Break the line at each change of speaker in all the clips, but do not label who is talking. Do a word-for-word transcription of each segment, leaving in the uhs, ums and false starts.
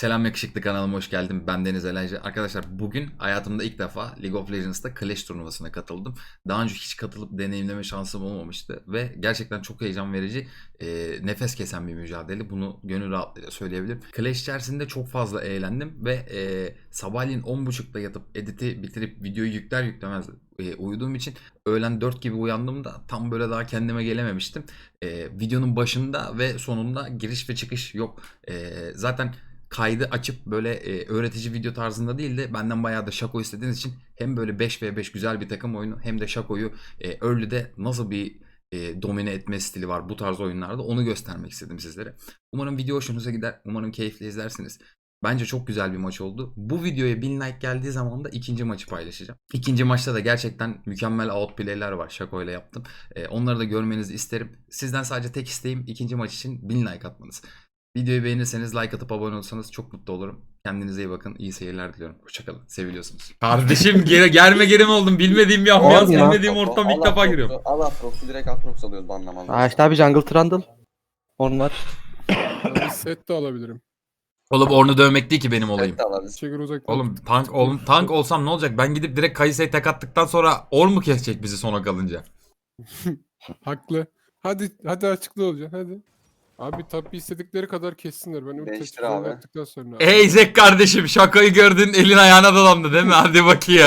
Selam yakışıklı kanalıma hoş geldin. Ben Deniz Elaycı. Arkadaşlar bugün hayatımda ilk defa League of Legends'ta Clash turnuvasına katıldım. Daha önce hiç katılıp deneyimleme şansım olmamıştı. Ve gerçekten çok heyecan verici, e, nefes kesen bir mücadele. Bunu gönül rahatlığıyla söyleyebilirim. Clash içerisinde çok fazla eğlendim. Ve e, sabahleyin on buçukta yatıp editi bitirip videoyu yükler yüklemez e, uyuduğum için öğlen dört gibi uyandığımda tam böyle daha kendime gelememiştim. E, videonun başında ve sonunda giriş ve çıkış yok. E, zaten kaydı açıp böyle e, öğretici video tarzında değil de benden bayağı da Şako istediğiniz için hem böyle beş ve beş güzel bir takım oyunu hem de Şako'yu e, early'de nasıl bir e, domine etme stili var bu tarz oyunlarda onu göstermek istedim sizlere. Umarım video hoşunuza gider. Umarım keyifli izlersiniz. Bence çok güzel bir maç oldu. Bu videoya bin like geldiği zaman da ikinci maçı paylaşacağım. İkinci maçta da gerçekten mükemmel outplay'ler var. Şako ile yaptım. E, onları da görmenizi isterim. Sizden sadece tek isteğim ikinci maç için bin like atmanız. Videoyu beğenirseniz like atıp abone olursanız çok mutlu olurum. Kendinize iyi bakın. İyi seyirler diliyorum. Hoşçakalın. Seviliyorsunuz. Kardeşim gel gelme gelim oldum. Bilmediğim bir ambiyans,
Olma.
bilmediğim ortam ilk defa giriyorum.
Al Atrox'u direkt Atrox alıyoruz banlamaz.
Aa işte abi Jungle Trundle. Onlar.
Bir set de alabilirim.
Oğlum Orn'u dövmek değil ki benim olayım.
Evet alırız.
Çekir uzaktan.
Oğlum tank oğlum tank olsam ne olacak? Ben gidip direkt Kayse'yi tek attıktan sonra Orn mu kesecek bizi sona kalınca?
Haklı. Hadi hadi açıklı olacaksın hadi. Abi tabi istedikleri kadar kessinler. Ben
Değiştir
ulti açıklama
abi.
yaptıktan sonra.
Ey Zek kardeşim şakayı gördün elin ayağına dolandı değil mi? Hadi bakayım.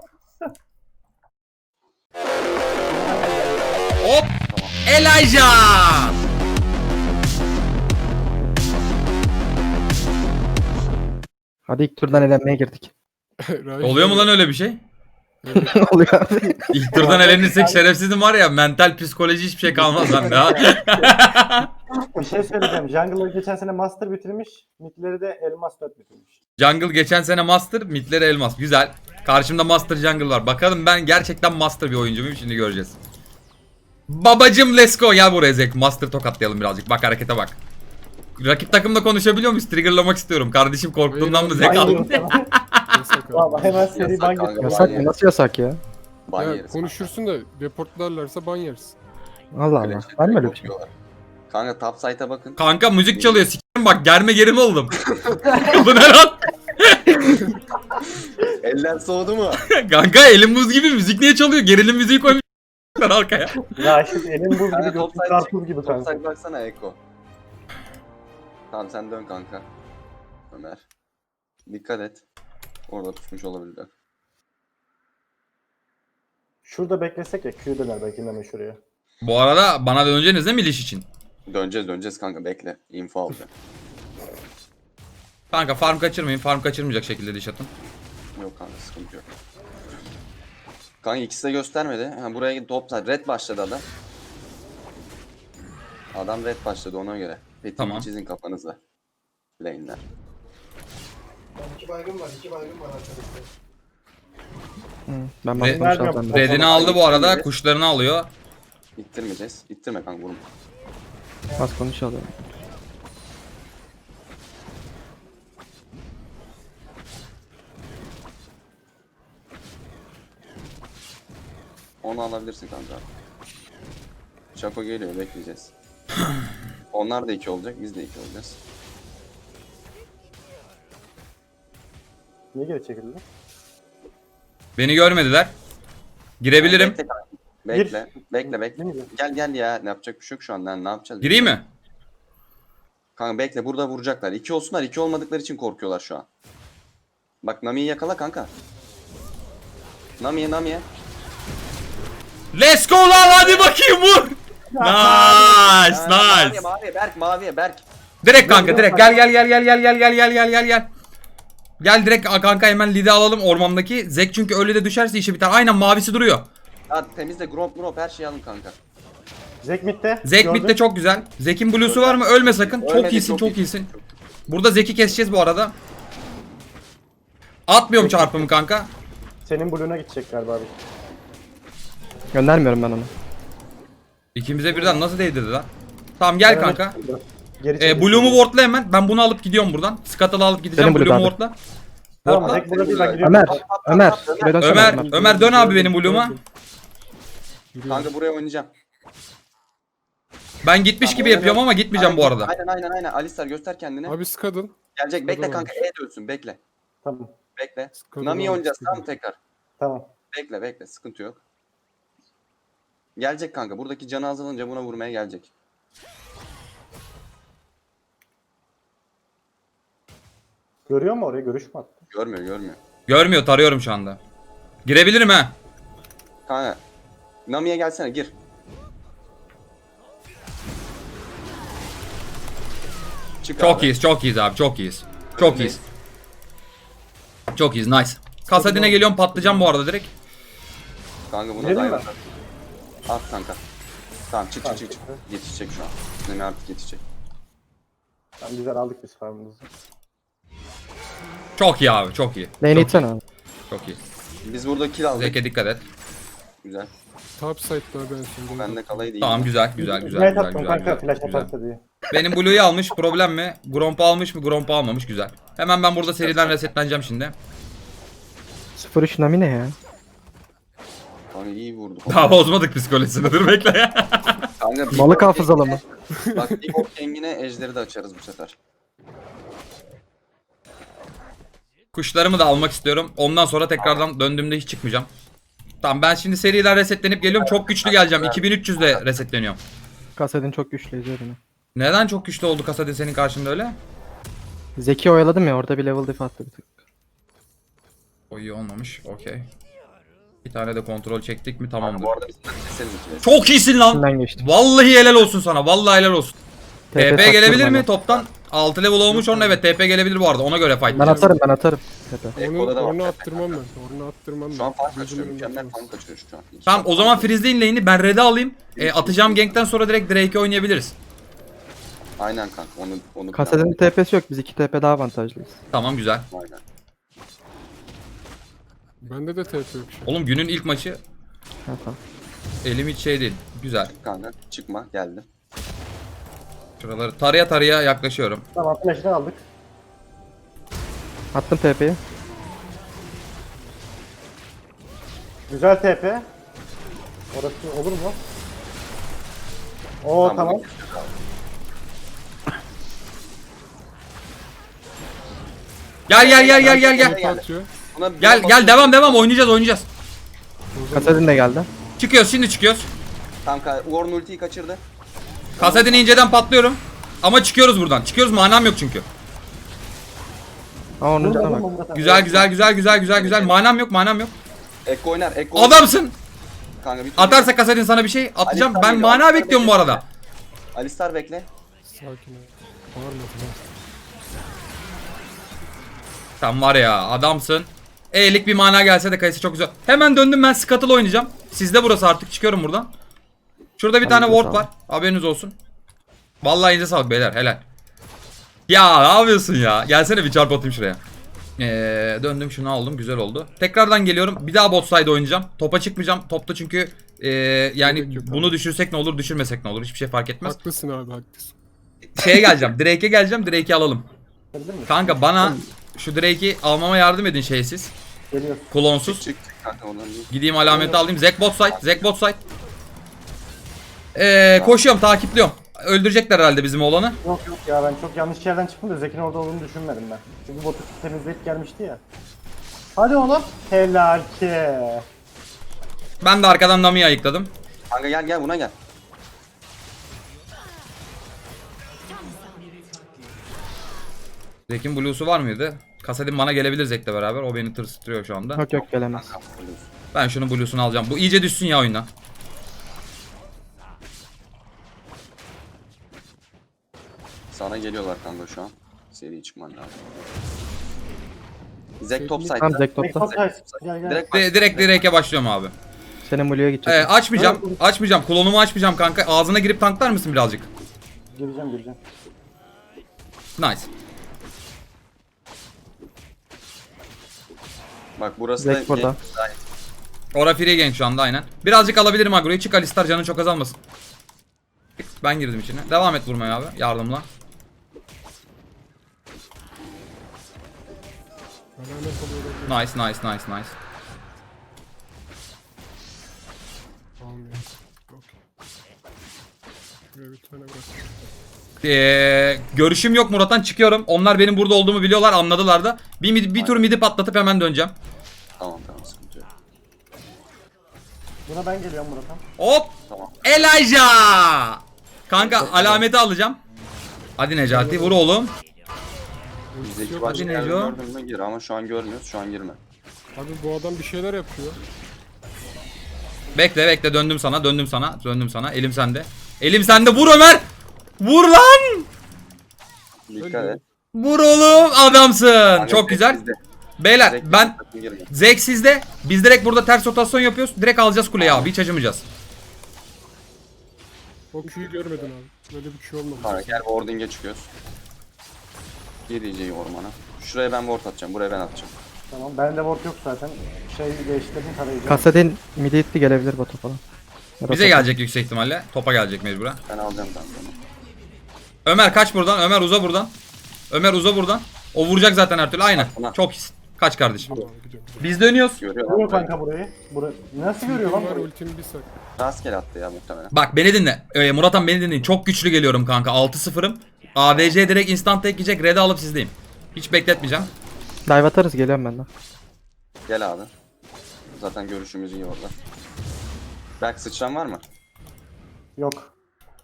Hop! Elijah!
Hadi ilk turdan elenmeye girdik.
Raif-
Oluyor mu lan öyle bir şey?
Ne oluyor abi?
İlk turdan elenirsek şerefsizim var ya mental psikoloji hiçbir şey kalmaz bende ha.
Bir şey söyleyeceğim. Jungle'ı geçen sene Master bitirmiş. Mid'leri de Elmas dört bitirmiş.
Jungle geçen sene Master, midleri Elmas. Güzel. Karşımda Master Jungle var. Bakalım ben gerçekten Master bir oyuncu muyum şimdi göreceğiz. Babacım let's go. Gel buraya Zek. Master tokatlayalım birazcık. Bak harekete bak. Rakip takımla konuşabiliyor muyuz? Triggerlamak istiyorum. Kardeşim korktuğundan mı Zek
Ban
aldın?
yiyorum sana.
Yasak abi.
Valla hemen seri
Yasak
ban
kanka,
getiriyor.
Yasak
ban
mı? Nasıl yasak ya?
Ban
Ya,
yeriz.
konuşursun da reportlarlarsa ban yersin.
Allah Allah.
Clash'e
Var mı
direkt
öyle bir şey?
okuyorlar. Kanka top site'a bakın.
Kanka müzik çalıyor. Sikerim bak germe gerime oldum. Bu ne lan?
Eller soğudu mu?
Kanka elim buz gibi müzik niye çalıyor? Gerilim müziği koymuşlar arkaya.
Ya şimdi elin buz gibi
Kanka
götün
top site
karpuz gibi
Top
kanka.
site baksana Eko. Tamam sen dön kanka. Ömer. Dikkat et. Orada tutmuş olabilirler.
Şurada beklesek ya Q döner belki hemen şuraya.
Bu arada bana döneceğiniz değil mi iliş için?
Döneceğiz döneceğiz kanka bekle. Info alacağım.
Kanka farm kaçırmayın. Farm kaçırmayacak şekilde diş atın.
Yok kanka sıkıntı yok. Kanka ikisi de göstermedi. Ha, buraya top site. Red başladı adam. Adam red başladı ona göre. Petimi
Tamam.
çizin kafanızla. Lane'ler.
İki baygın var, iki baygın var arkadaşlar.
Hı, ben
Re-
bakmamıştım
Vermiyorum.
senden.
Redini aldı bu arada. Kuşlarını alıyor.
İttirmeyeceğiz. İttirme kanka vurma.
Az konuşalım.
Onu alabilirsin kanka. Şako geliyor bekleyeceğiz. Onlar da iki olacak biz de iki olacağız.
Niye geri çekildi?
Beni görmediler. Girebilirim.
Bekle kanka. Bekle. Bekle bekle.
Değil mi?
Gel gel ya ne yapacak bir şey yok şu an lan ne yapacağız?
Gireyim mi?
Kanka bekle burada vuracaklar. İki olsunlar iki olmadıkları için korkuyorlar şu an. Bak Nami'yi yakala kanka. Nami'ye Nami'ye.
Let's go lan hadi bakayım vur. Nice
Maviye
nice.
maviye Berk maviye Berk.
Direkt kanka direkt gel gel gel gel gel gel gel gel gel gel gel. Gel direkt kanka hemen lidi alalım ormandaki. Zek çünkü öyle de düşerse işi biter. Aynen mavisi duruyor.
Hadi temizle grop grop her şeyi alın kanka.
Zek midde.
Zek
Gördün.
midde çok güzel. Zek'in blue'su var mı? Ölme sakın. Çok
Ölmedi,
iyisin
çok
çok
iyisin.
iyisin. Burada Zek'i keseceğiz bu arada. Atmıyorum çarpımı kanka.
Senin blue'una gidecek galiba abi.
Göndermiyorum ben onu.
İkimize birden nasıl değdirdi lan? Tamam gel
Evet,
kanka.
Geri
E,
çekildi.
Blue'umu wardla hemen. Ben bunu alıp gidiyorum buradan. Scuttle'ı alıp gideceğim.
Benim Blue
Blue'umu
abi.
wardla.
Tamam
Wardla.
Zek burada değil ben giriyorum.
Ömer. Ömer. Şuraya dönsene
Ömer,
Ömer.
Ömer dön abi benim Blue'uma.
Kanka buraya oynayacağım.
Ben gitmiş gibi yapıyorum ama gitmeyeceğim bu arada.
Aynen aynen aynen. Alistar göster kendini.
Abi Skadın.
Gelecek. Bekle
Sıkıntı
kanka. E dönsün. Bekle.
Tamam.
Bekle.
Sıkıntı
Nami'yi
olmaz,
oynayacağız.
sıkıntı
Tamam
yok.
tekrar.
Tamam.
Bekle bekle. Sıkıntı yok. Gelecek kanka. Buradaki canı azalınca buna vurmaya gelecek.
Görüyor mu oraya? Görüş mü attı?
Görmüyor görmüyor.
Görmüyor, tarıyorum şu anda. Girebilirim ha.
Kanka. Nami'ye gelsene gir. Çık
Çok
abi.
iyiyiz, çok iyiyiz abi, çok iyiyiz. Çok iyiyiz. Çok iyiyiz, nice. Kasadine geliyorum, patlayacağım bu arada direkt.
Kanka buna
Girelim
dayan.
mi?
At kanka. Tamam çık çık çık. çık. Yetişecek şu an. Nami artık yetişecek.
Tamam güzel aldık biz farmımızı.
Çok iyi abi, çok iyi.
Lane'i
Çok
itsene
iyi,
abi.
çok iyi.
Biz burada kill aldık.
Zeke dikkat et.
Güzel.
Top side'da ben şimdi.
Ben de kalayı değil.
Tamam, güzel, güzel, güzel,
Ne
güzel,
attım
güzel,
kanka
güzel,
flash
güzel.
atarsa diye.
Benim Blue'yu almış, problem mi? Gromp'u almış mı? Gromp'u almamış, güzel. Hemen ben burada seriden resetleneceğim şimdi.
sıfır üç Nami ne ya?
Kanka iyi vurdu.
Daha bozmadık psikolojisini, dur bekle ya.
Kanka, Big
Balık
Boss
hafızalı mı?
Kang'ine- Bak Big Boss Kang'ine ejderi de açarız bu sefer.
Kuşlarımı da almak istiyorum. Ondan sonra tekrardan döndüğümde hiç çıkmayacağım. Tamam, ben şimdi seriden resetlenip geliyorum. Çok güçlü geleceğim. iki bin üç yüzle resetleniyorum.
Kasadin çok güçlü izliyor beni.
Neden çok güçlü oldu Kasadin senin karşında öyle?
Zeki oyaladım ya orada bir level diff attı bir tık.
O iyi olmamış. Okey. Bir tane de kontrol çektik mi
Kanka
tamamdır.
bu arada biz keseriz ikili.
Çok iyisin lan.
İçinden geçtim.
Vallahi helal olsun sana. Vallahi helal olsun.
T P
T P
takıyorum
gelebilir
bana.
mi toptan? altı level olmuş onun, evet T P gelebilir bu arada, ona göre fight.
Ben atarım ben atarım. T P.
Onu,
Eko'da da var.
onu attırmam ben. Onu attırmam ben.
Şu an fark
Gözümün
kaçırıyor.
önünde
Mükemmel
atamaz.
fark kaçırıyor şu an.
Tamam, o zaman freezeleyin lane'i, ben red'e alayım. E, atacağım gankten sonra direkt Drake'i oynayabiliriz.
Aynen kanka onu onu
Kasadin'in T P'si yok biz iki T P daha avantajlıyız.
Tamam, güzel.
Aynen.
Bende de T P yok şu an.
Oğlum günün ilk maçı,
Ha tamam.
elim hiç şey değil. Güzel.
Kanka çıkma geldi.
Şuraları taraya taraya yaklaşıyorum.
Tamam flash'ını aldık.
Attım T P'yi.
Güzel T P. Orası olur mu? Oo tamam.
bunu keseceğiz abi.
Gel gel gel gel gel gel.
Top atıyor.
Buna bir
Gel
bak-
gel, devam devam, oynayacağız oynayacağız.
Kasadin de geldi.
Çıkıyoruz, şimdi çıkıyoruz.
Kanka Warren ultiyi kaçırdı.
Kasadin'i inceden patlıyorum. Ama çıkıyoruz buradan. Çıkıyoruz, manam yok çünkü.
Aa onun
Vurma,
canına
vurma,
bak.
vurma, tamam.
Güzel güzel güzel güzel güzel güzel. Manam yok, manam yok.
Ekko oynar. Ekko oynar.
Adamsın.
Kanka bir
Atarsa Kasadin sana bir şey atacağım.
Alistar
Ben
geliyor,
mana
Alistar
bekliyorum bu
bekle.
arada.
Alistar bekle.
Sakin ol. Bağırma tamam.
Sen var ya, adamsın. E'lik bir mana gelse de kayısı çok güzel. Hemen döndüm, ben Scuttle oynayacağım. Sizde burası artık, çıkıyorum buradan. Şurada bir tane
Elinize
ward
sağlık.
var. Haberiniz olsun. Vallahi elinize sağlık beyler, helal. Ya ne yapıyorsun ya? Gelsene bir çarp atayım şuraya. Ee, döndüm, şunu aldım, güzel oldu. Tekrardan geliyorum. Bir daha bot side oynayacağım. Topa çıkmayacağım. Topta çünkü ee, yani
Gerek yok
bunu
abi.
düşürsek ne olur, düşürmesek ne olur, hiçbir şey fark etmez.
Haklısın abi haklısın.
Şeye geleceğim. Drake'e geleceğim. Drake'i alalım.
Gelir mi?
Kanka bana şu Drake'i almama yardım edin şeysiz.
Geliyor.
Klonsuz.
Çık çık kanka oradan değil.
Gideyim alameti alayım. Zek bot side. Zek bot side. Ee, koşuyorum, takipliyorum. Öldürecekler herhalde bizim oğlanı.
Yok yok ya ben çok yanlış yerden çıktım da Zeki'nin orada olduğunu düşünmedim ben. Çünkü botu temizleyip gelmişti ya. Hadi oğlum. Helal ki.
Ben de arkadan Nami'yi ayıkladım.
Kanka gel gel buna gel.
Zek'in blue'su var mıydı? Kasadin bana gelebilir Zek'le beraber. O beni tırsıtıyor şu anda.
Yok yok gelemez.
Kanka vuruyorsun.
Ben şunun blue'sunu alacağım. Bu iyice düşsün ya oyundan.
Sana geliyorlar kanka şu an. Seri çıkman lazım. Zek top
Tamam,
Tamam
side'da.
Zek topta.
Top guys. Gel gel.
Direkt
Di- direkt direk'e başlıyorum abi.
Senin Blue'ya gidecek.
Ee, açmayacağım. Açmayacağım. Klonumu açmayacağım kanka. Ağzına girip tanklar mısın birazcık?
Gireceğim gireceğim.
Nice.
Bak burası
Zek
da
burada.
Ora free gank şu anda aynen. Birazcık alabilirim agroyu. Çık Alistar, canın çok azalmasın. Ben girdim içine. Devam et vurmaya abi. Yardımla.
Alamet oluyor.
Nice nice nice nice.
Almıyor. Okey. Şuraya bir tane bırak.
Ee, görüşüm yok Murat'tan, çıkıyorum. Onlar benim burada olduğumu biliyorlar, anladılar da. Bir, mid- bir tur midi patlatıp hemen döneceğim.
Tamam tamam sıkıntı yok.
Buna ben geliyorum Murat'a.
Hop!
Tamam.
Elijah! Kanka alameti alacağım. Hadi Necati vur oğlum.
Bizdeki
Yok,
başka
hadi
yerden
Neco.
gördün mü gir ama şu an görmüyoruz. Şu an girme.
Abi bu adam bir şeyler yapıyor.
Bekle bekle, döndüm sana döndüm sana döndüm sana. Elim sende. Elim sende, vur Ömer! Vur lan!
Dikkat et.
Vur oğlum, adamsın.
Kanka,
Çok
Zek
güzel.
bizde.
Beyler
Zek
ben
bizde, sakın girme.
Zek sizde. Biz direkt burada ters rotasyon yapıyoruz. Direkt alacağız kuleyi abi. Hiç acımayacağız.
O Q'yu görmedin abi. Böyle bir şey olmadı.
Sonra gel warding'e çıkıyoruz. Gir iyice ormana. Şuraya ben ward atacağım. Buraya ben atacağım.
Tamam. Bende ward yok zaten. Şey değiştirdim tarayıcı.
Kasadin midi itti, gelebilir bota falan. Ya da
Bize
topa.
gelecek yüksek ihtimalle. Topa gelecek mecburen.
Ben alacağım ben bunu.
Ömer kaç buradan. Ömer uza buradan. Ömer uza buradan. O vuracak zaten her türlü. Aynen.
Tamam.
Çok iyisin. Kaç kardeşim.
Tamam gidiyorum.
Biz dönüyoruz.
Görüyor
Görüyor
lan.
kanka burayı. Burayı. Nasıl görüyor lan
Ultim var
burayı?
ultim bir sak.
Rastgele attı ya muhtemelen.
Bak beni dinle. Ee, Murat'ım beni dinleyin. Çok güçlü geliyorum kanka. altı sıfırım. A D C direkt instant tek yiyecek. Red'i alıp sizdeyim. Hiç bekletmeyeceğim.
Dive atarız, geliyorum ben de.
Gel abi. Zaten görüşümüz iyi orada. Berk sıçran var mı?
Yok.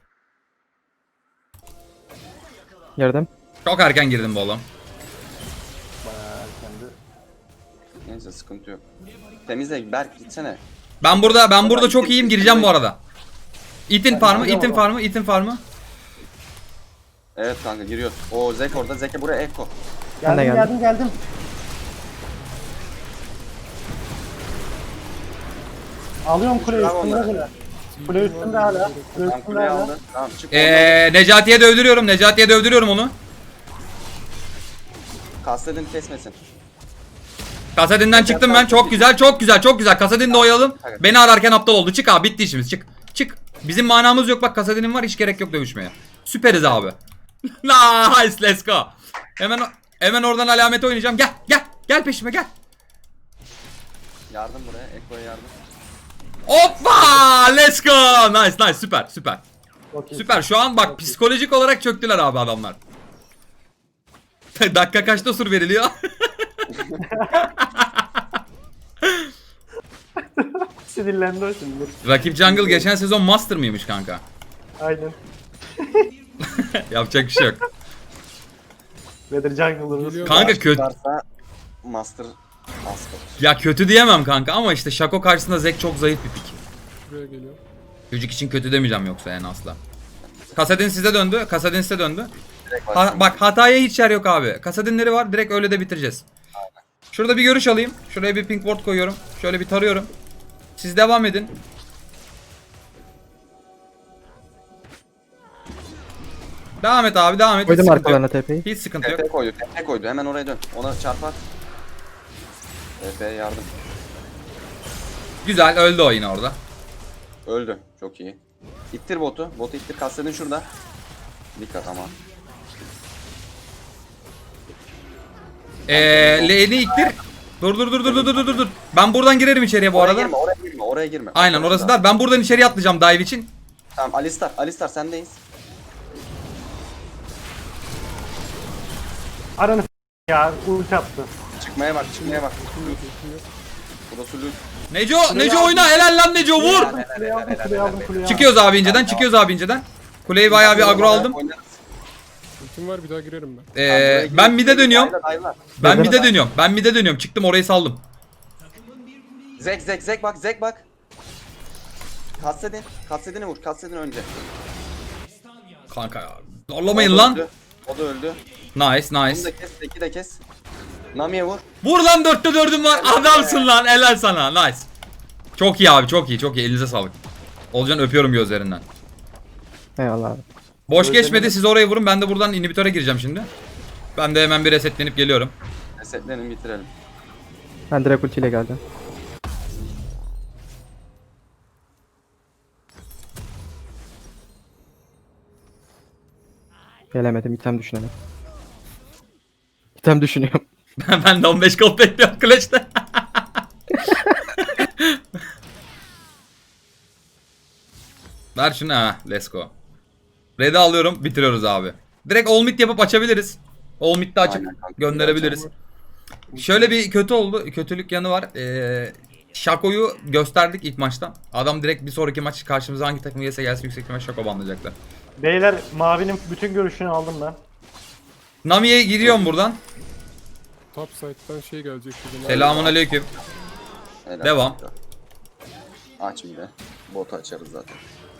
Girdim.
Çok erken girdim bu oğlum.
Bayağı erkendi.
Neyse sıkıntı yok. Temizle Berk gitsene.
Ben burada ben burada çok iyiyim. Gireceğim bu arada. İtin farmı,
giriyorum
itin
ama.
farmı, itin farmı.
Evet kanka giriyoruz. O Zek orada. Zek'e buraya Eko.
Ben de
Geldim
geldim.
geldim geldim. Alıyorum kule
Bravo
üstünde
onlara.
kule. Kule üstünde hala. Kule
Tamam
üstünde
kuleyi
hala.
aldı. Tamam çık. Ee...
Ee, Necati'ye dövdürüyorum. Necati'ye dövdürüyorum onu.
Kastedin kesmesin.
Kasadin'den çıktım ben. Çok güzel, çok güzel, çok güzel. Kasadin'de oyalım. Beni ararken aptal oldu. Çık abi, bitti işimiz. Çık. Çık. Bizim manamız yok. Bak Kasadin'in var. Hiç gerek yok dövüşmeye. Süperiz abi. Nice, let's go. Hemen hemen oradan alameti oynayacağım. Gel, gel. Gel peşime gel.
Yardım buraya. Eko'ya yardım.
Hoppa! Let's go. Nice, nice. Süper, süper.
Çok iyi.
Süper. Şu an bak psikolojik olarak çöktüler abi adamlar. Dakika kaçta sur veriliyor?
Sinirlendi o şimdi.
Rakip Jungle geçen sezon Master mıymış kanka?
Aynen.
Yapacak bir şey yok.
Weather Jungle'ımız.
Geliyor.
Kanka kötü.
Varsa Master Asper.
Ya kötü diyemem kanka ama işte Shaco karşısında Zek çok zayıf bir pik.
Buraya geliyor.
Çocuk için kötü demeyeceğim yoksa yani asla. Kasadin size döndü. Kasadin size döndü.
Direkt
Ha,
başlayalım.
bak hataya hiç yer yok abi. Kasadinleri var. Direkt öyle de bitireceğiz. Şurada bir görüş alayım. Şuraya bir pink ward koyuyorum. Şöyle bir tarıyorum. Siz devam edin. Devam et abi, devam et. Hiç
Koydum
sıkıntı
arkalarına
yok.
T P'yi.
Hiç sıkıntı yok.
T P koydu. T P koydu. Hemen oraya dön. Ona çarpar. T P'ye yardım.
Güzel, öldü o yine orada.
Öldü. Çok iyi. İttir botu. Botu ittir. Kastedin şurada. Dikkat ama.
Eee Lane'i iktir. Dur dur dur dur dur dur dur dur. Ben buradan girerim içeriye bu
Oraya
arada.
girme. Oraya girme. Oraya girme.
Aynen orası da. Ben buradan içeriye atlayacağım dive için.
Tamam Alistar. Alistar sendeyiz.
Aranı s- ya ulti attı.
Çıkmaya bak. Çıkmaya bak. Burası lüt.
Neco, Neco oyna. Helal lan Neco, vur.
Kuleyi aldım kuleyi aldım kuleyi aldım.
Çıkıyoruz abi inceden, çıkıyoruz abi inceden. Kuleyi bayağı bir agro aldım.
Oynarız.
Ultim var bir daha girerim ben.
Tamam, buraya
Ee,
gir.
ben mid'e dönüyorum.
Dayla, dayla.
Ben mid'e dönüyorum. Ben mid'e dönüyorum. Çıktım orayı saldım.
Zek Zek Zek bak Zek bak. Kastedin. Kastedin'i vur. Kastedin önce.
Kanka ya.
O
Zorlamayın
da
lan.
öldü. O da öldü.
Nice,
Bunu
nice.
da kes. Zeki de kes. Nami'ye vur.
Vur lan, dörtte dördüm var. Adamsın lan. Helal sana. Nice. Çok iyi abi, çok iyi, çok iyi. Elinize sağlık. Olcan öpüyorum gözlerinden.
Eyvallah abi.
Boş
Gözlerine-
geçmedi. Siz oraya vurun. Ben de buradan inhibitöre gireceğim şimdi. Ben de hemen bir resetlenip geliyorum.
Resetlenin bitirelim.
Ben direkt ultiyle geldim. Gelemedim, item düşünelim. İtem düşünüyorum.
Ben de on beş gold bekliyorum Clash'te. Ver şunu ha. Let's go. Red'i alıyorum. Bitiriyoruz abi. Direkt all mid yapıp açabiliriz. All mid'de açıp
Aynen kanka.
gönderebiliriz. Şöyle bir kötü oldu. Kötülük yanı var. Ee, Shaco'yu gösterdik ilk maçtan. Adam direkt bir sonraki maç karşımıza hangi takım gelse gelsin yüksek ihtimal Shaco banlayacaklar.
Beyler mavinin bütün görüşünü aldım ben.
Nami'ye giriyorum buradan.
Top side'dan şey gelecek. bizim.
Selamun aleyküm.
Helal
Devam.
kanka. Aç bir de. Botu açarız zaten.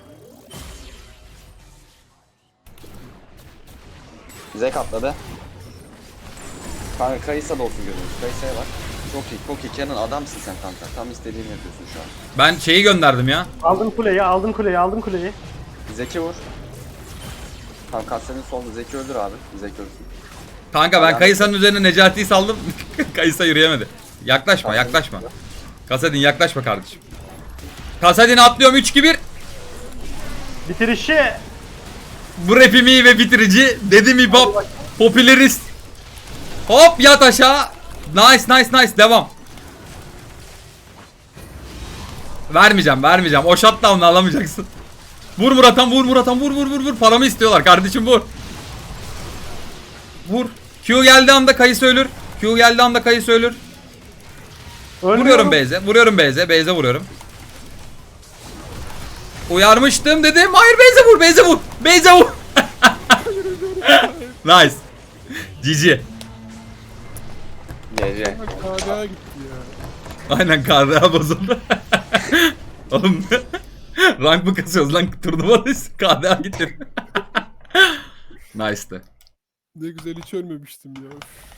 Zek atladı. Kanka Kayısa da olsun gözümüz. Kayısa'ya bak. Çok iyi, çok iyi. Kenan adamsın sen kanka. Tam istediğini yapıyorsun şu an.
Ben şeyi gönderdim ya.
Aldım kuleyi, aldım kuleyi, aldım kuleyi.
Zeki vur. Tam Kasya'nın solunda. Zeki öldür abi. Zeki öldürsün.
Kanka ben Kayısa'nın üzerine Necati'yi saldım. Kayısa yürüyemedi. Yaklaşma yaklaşma. Kasadin yaklaşma kardeşim. Kasadin'e atlıyorum üç iki bir.
Bitirişi.
Bu rapimi ve bitirici. Dedim hip-hop. Popülerist. Hop yat aşağı. Nice nice nice devam. Vermeyeceğim vermeyeceğim. O shutdown'u alamayacaksın. Vur Murat'an vur Murat'an vur vur vur vur. Paramı istiyorlar kardeşim vur. Vur. Q geldiği anda Kayısı ölür. Q geldiği anda Kayısı ölür.
Ölmüyorum.
Vuruyorum Beyze. Vuruyorum Beyze. Beyze vuruyorum. Uyarmıştım dedim. Hayır Beyze vur. Beyze vur. Beyze vur. Nice. G G.
G G.
K D A gitti ya.
Aynen K D A bozuldu. Oğlum rank mı kasıyoruz lan turnuvadayız. K D A gitti. Nice'tı.
Ne güzel hiç ölmemiştim ya.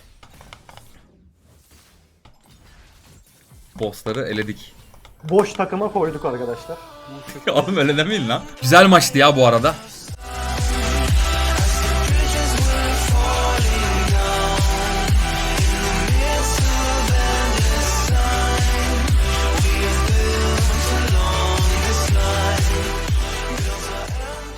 Bossları eledik.
Boş takıma koyduk arkadaşlar.
Oğlum öyle demeyin lan. Güzel maçtı ya bu arada.